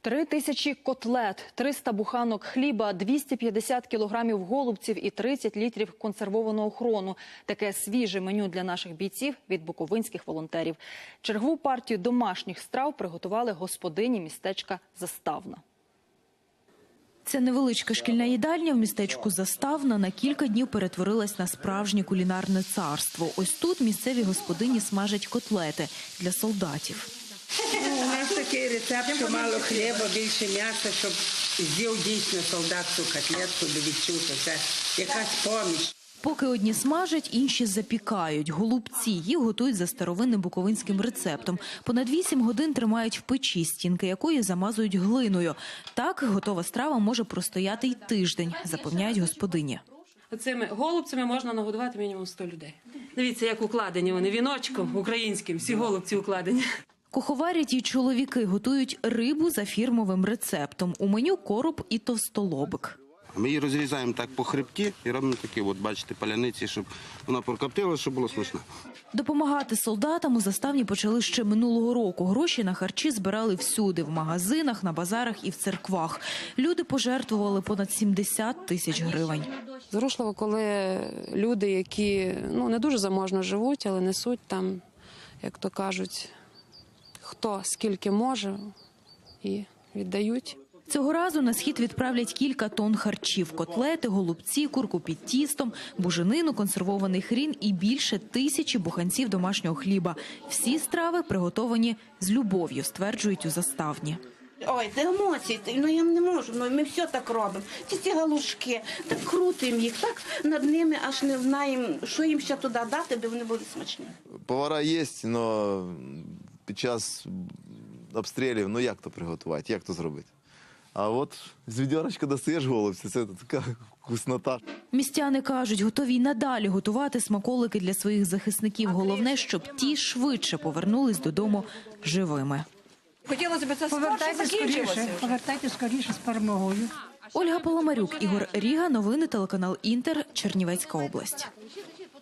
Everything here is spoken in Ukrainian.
3000 котлет, 300 буханок хліба, 250 кілограмів голубців і 30 літрів консервованого хрону. Таке свіже меню для наших бійців від буковинських волонтерів. Чергову партію домашніх страв приготували господині містечка Заставна. Ця невеличка шкільна їдальня в містечку Заставна на кілька днів перетворилась на справжнє кулінарне царство. Ось тут місцеві господині смажать котлети для солдатів. У нас такий рецепт, що мало хліба, більше м'яса, щоб з'їв дійсно солдат цю котлетку, де відчув, що це якась поміч. Поки одні смажать, інші запікають. Голубці їх готують за старовинним буковинським рецептом. Понад 8 годин тримають в печі, стінки якої замазують глиною. Так готова страва може простояти й тиждень, запевняють господині. Цими голубцями можна нагодувати мінімум 100 людей. Дивіться, як укладені вони віночком українським, всі голубці укладені. Куховарять і чоловіки готують рибу за фірмовим рецептом. У меню короб і товстолобик. Ми її розрізаємо так по хребті і робимо такі, от бачите, паляниці, щоб вона прокоптила, щоб було смачно. Допомагати солдатам у Заставні почали ще минулого року. Гроші на харчі збирали всюди – в магазинах, на базарах і в церквах. Люди пожертвували понад 70 тисяч гривень. Зворушливо, коли люди, які не дуже заможно живуть, але несуть там, як то кажуть, хто скільки може і віддають. Цього разу на схід відправлять кілька тонн харчів – котлети, голубці, курку під тістом, буженину, консервований хрін і більше 1000 буханців домашнього хліба. Всі страви приготовані з любов'ю, стверджують у Заставні. Ой, це емоції, я не можу, ми все так робимо. Ці галушки, так крутимо їх, так над ними аж не знаємо, що їм ще туди дати, аби вони були смачні. Повара є, але під час обстрілів, як то приготувати, як то зробити? А от з відьорочка достаєш голубці, це така вкуснота. Містяни кажуть, готові й надалі готувати смаколики для своїх захисників. Головне, щоб ті швидше повернулись додому живими. Хотілося б це скоріше, повертайте скоріше з перемогою. Ольга Паламарюк, Ігор Ріга, новини телеканал Інтер, Чернівецька область.